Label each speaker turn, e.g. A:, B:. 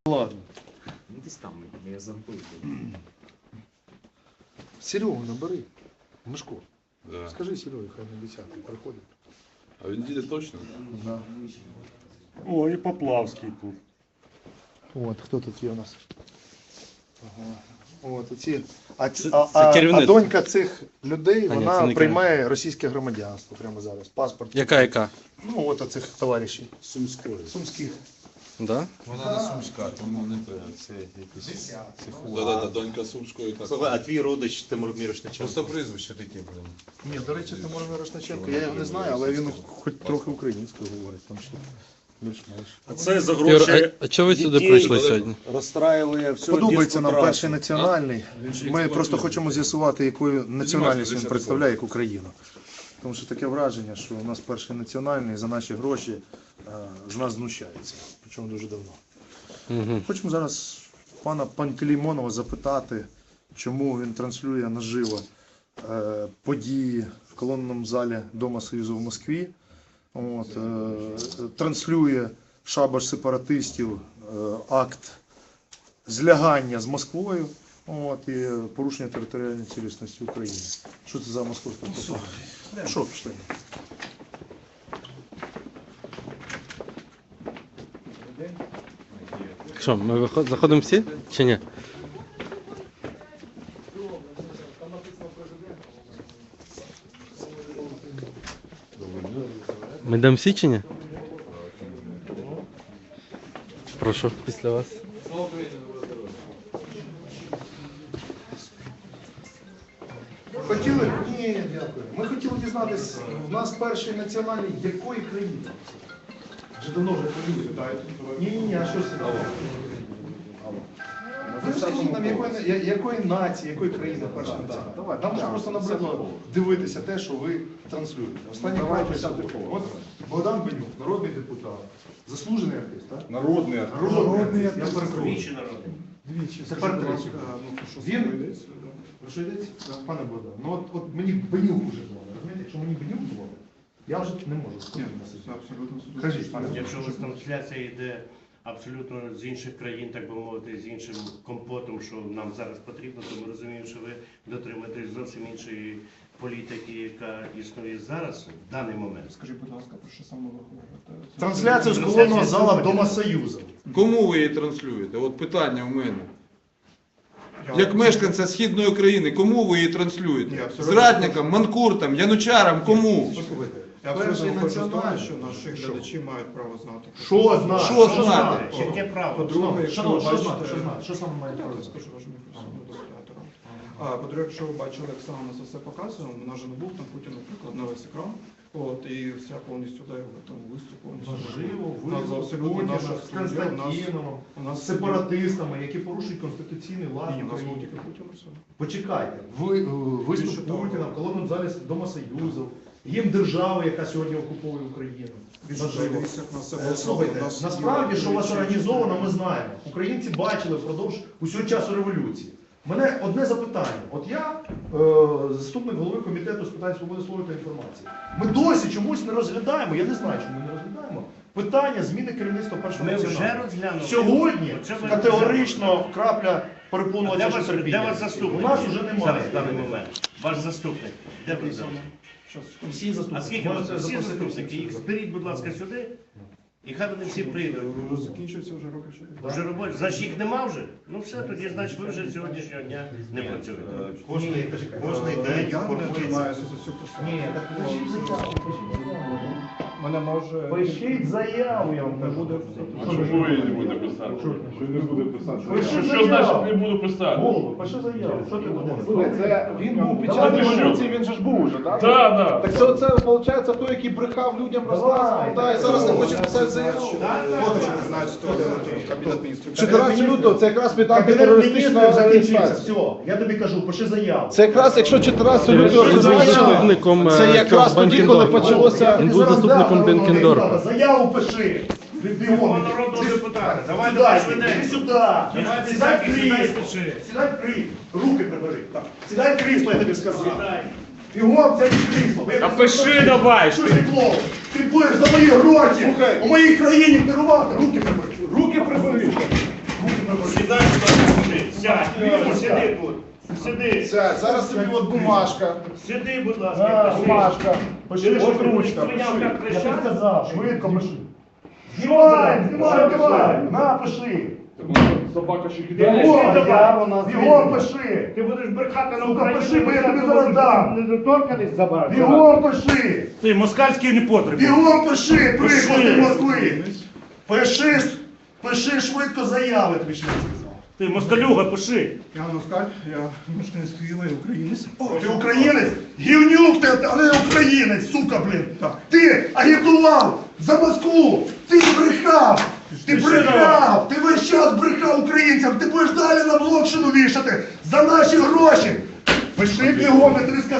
A: Ладно.
B: Ну десь там, я забув.
A: Серегу набери. Мишко.
C: Да.
A: Скажи Серегі, хай на 10-й приходить.
C: А він їде точно?
A: Да.
D: О, і Поплавський тут.
A: От, хто тут є у нас? Ага. От, оці.
E: Це керівник.
A: А донька цих людей,
E: А, ні, це
A: вона
E: не
A: приймає російське громадянство прямо зараз. Паспорт.
E: Яка?
A: Ну, от оцих товаришів.
C: Сумської.
A: Сумських.
E: Да?
C: Вона не сумська, тому не те. Це якийсь... Да, донька Сумської. Так.
B: Слухай, а твій родич Тимур Мірошниченко?
C: Просто прізвище таке, блин.
A: Ні, до речі, Тимур Мірошниченко, я його не знаю, але він хоч трохи українською говорить, там що більш-менш.
B: А це за
E: Юр,
B: гроші
E: а чого ви сюди
B: дітей
E: прийшли сьогодні?
B: розстраювали всю
A: Подобається нам
B: радянську
A: перший національний.
C: Він же
A: Ми
C: експлуатує.
A: просто хочемо з'ясувати, якою національність він
C: 10
A: представляє, як Україну. Тому що таке враження, що у нас перший національний за наші гроші з нас знущається. Причому дуже давно.
E: Угу.
A: Хочемо зараз пана Пантелеймонова запитати, чому він транслює наживо події в колонному залі Дома Союзу в Москві. От, транслює шабаш сепаратистів, акт злягання з Москвою, от, і порушення територіальної цілісності України. Що це за московська пропаганда? Що пішли?
E: Що, ми заходимо всі чи ні? Ми йдемо всі чи ні? Прошу, після вас.
A: Хотіли? Ні, дякую. Ми хотіли дізнатися, в нас перший національний якої країни? Вже давно вже хвилюють. Ні, а що це? Ну, скажіть нам, якої нації, якої країни перша національна? Давай, нам вже просто набридло дивитися те, що ви транслюєте. Останній край от Богдан Бенюк, народний депутат, заслужений артист, так?
C: Народний артист.
A: Народний артист. Я перепрошую.
B: Двічі народний.
A: Двічі. Тепер третій. Він, про що йдеться? Пане Богдан, ну от мені Бенюк уже дзвонить. Розумієте, якщо мені Бенюк дзвонить, я вже не можу сказати. Кажіть, пане Богдан.
F: Якщо у вас трансляція йде абсолютно з інших країн, так би мовити, з іншим компотом, що нам зараз потрібно, то ми розуміємо, що ви дотримуєтесь зовсім іншої політики, яка існує зараз, в даний момент.
D: Скажіть, будь ласка, про що саме ви говорите?
A: Трансляцію з колонного зала Дома Союзу.
C: Кому ви її транслюєте? От питання в мене. Як мешканця Східної України, кому ви її транслюєте? Зрадникам, манкуртам, янучарам, кому?
A: Послухайте,
D: Я
A: перший
D: абсолютно хочу знати,
A: національний.
D: що наші глядачі мають право знати.
A: Що знати?
C: Що знати?
F: Яке право?
D: По-друге, якщо ви
A: Шановні, що
D: бачите...
A: знати? Що знати? Що саме має
D: Я
A: право?
D: скажу вашому професійному дослідаторам. По-друге, якщо ви бачили, як саме нас все показує, у нас же не був там Путін, наприклад, на весь екран. От, і вся повністю да, його там виступ повністю.
A: Можливо,
D: У нас абсолютно
A: Путіна
D: наша
A: з
D: студія,
A: Константиновим,
D: у нас
A: з сепаратистами, які порушують конституційний лад
D: Ні, у нас
A: України.
D: був тільки Путін і все.
A: Почекайте, виступ
D: Більше того.
A: Путіна в колонному залі Дома Союзу, гімн держави, яка сьогодні окуповує Україну.
D: Дивіться, як нас все було.
A: Слухайте,
D: У нас
A: насправді,
D: є
A: що у вас
D: величезні-
A: організовано, ми знаємо. Українці бачили впродовж усього часу революції. У мене одне запитання. От я заступник голови комітету з питань свободи слова та інформації. Ми досі чомусь не розглядаємо, я не знаю, чому ми не розглядаємо, питання зміни керівництва першого
F: Ми вже
A: національного.
F: розглянули.
A: Сьогодні
F: Оце ви
A: категорично крапля перепонула
F: Де
A: наше
F: ваш,
A: терпіння.
F: де ваш заступник?
A: У нас вже
F: Зараз,
A: немає.
F: в даний момент. Ваш заступник. Де ви зараз?
A: Всі
F: А
A: заступники.
F: скільки у вас
A: Можете
F: всі
A: запросити
F: заступники?
A: всіх
F: Їх
A: заступників.
F: зберіть, будь ласка, сюди. І хай вони всі прийдуть.
D: Закінчується вже роки 4.
F: Вже робочі. Значить їх нема вже? Ну все, тоді значить ви вже з сьогоднішнього дня не працюєте.
B: Кожний день
D: Я не
B: формується.
D: займаюся за цю посаду.
A: Ні, так пишіть заяву.
D: Мене може...
A: Пишіть заяву, я вам
D: Не
A: кажу.
D: буде...
G: Чому я не буду писати? Що не буде писати?
A: Пиши
G: Що значить
A: заяву.
G: не буду писати?
A: Голову, пиши заяву. Що ти будеш?
H: Це він був під час
A: Давай,
H: революції, він же ж був уже, так?
G: Так, так.
H: Так це виходить той, який брехав людям, розказував, та, і зараз не хоче писати заяву.
D: Фото, не знаю, що Кабінет міністрів.
H: 14 лютого, це якраз під
A: Кабінет
H: антитерористичну
A: міністрів закінчився.
H: адміністрацію.
A: Все, я тобі кажу, пиши заяву.
H: Це якраз, якщо 14 лютого
E: Він був
H: зазначили,
E: заступником
H: це якраз тоді, коли почалося...
E: Він був заступником Бенкендорфа.
A: Заяву пиши. Бігом.
F: Народного депутата. Давай,
A: Сюди,
F: давай,
A: іди
F: швиденько.
A: сюди.
F: Давай,
A: Сідай в
F: сідай,
A: крісло.
F: пиши.
A: Сідай в крісло. Руки прибери. Так. Сідай в крісло, я тобі сказав.
F: Сідай.
A: Бігом, сядь в крісло.
G: А пиши давай!
A: Що ти клоун? Ти будеш за мої гроші
H: Слухай.
A: у моїй країні керувати. Руки прибери.
H: Руки прибери.
F: Сядь, сиди тут. Сиди.
H: Сядь, зараз тобі от бумажка.
F: Сиди, будь
H: На,
F: ласка.
H: бумажка. Пиши,
F: Ти
H: що
F: можеш
H: ручка.
F: прийняв так
H: Пиши. Я
F: кричати?
H: тобі сказав, швидко пиши. Знімай, на, пиши.
G: Собака ще
H: Бігом пиши.
F: Ти будеш брехати на
H: Сука,
F: Україну.
H: пиши, бо я тобі зараз дам.
F: Недоторканість забрати.
H: Бігом пиши.
F: Ти москальський не потрібен.
H: Бігом пиши, приклад
F: Пиши.
H: з Москви. Пиши швидко заяви, тобі ще не сказав.
F: Ти москалюга, пиши.
D: Я Москаль, я мешканець Києва і українець.
H: Ти українець? Гівнюк ти, а не українець, сука, блін. Ти агітував за Москву, ти брехав, ти весь час брехав українцям, ти будеш далі на блокшину вішати за наші гроші. Пиши бігом, я тобі сказав.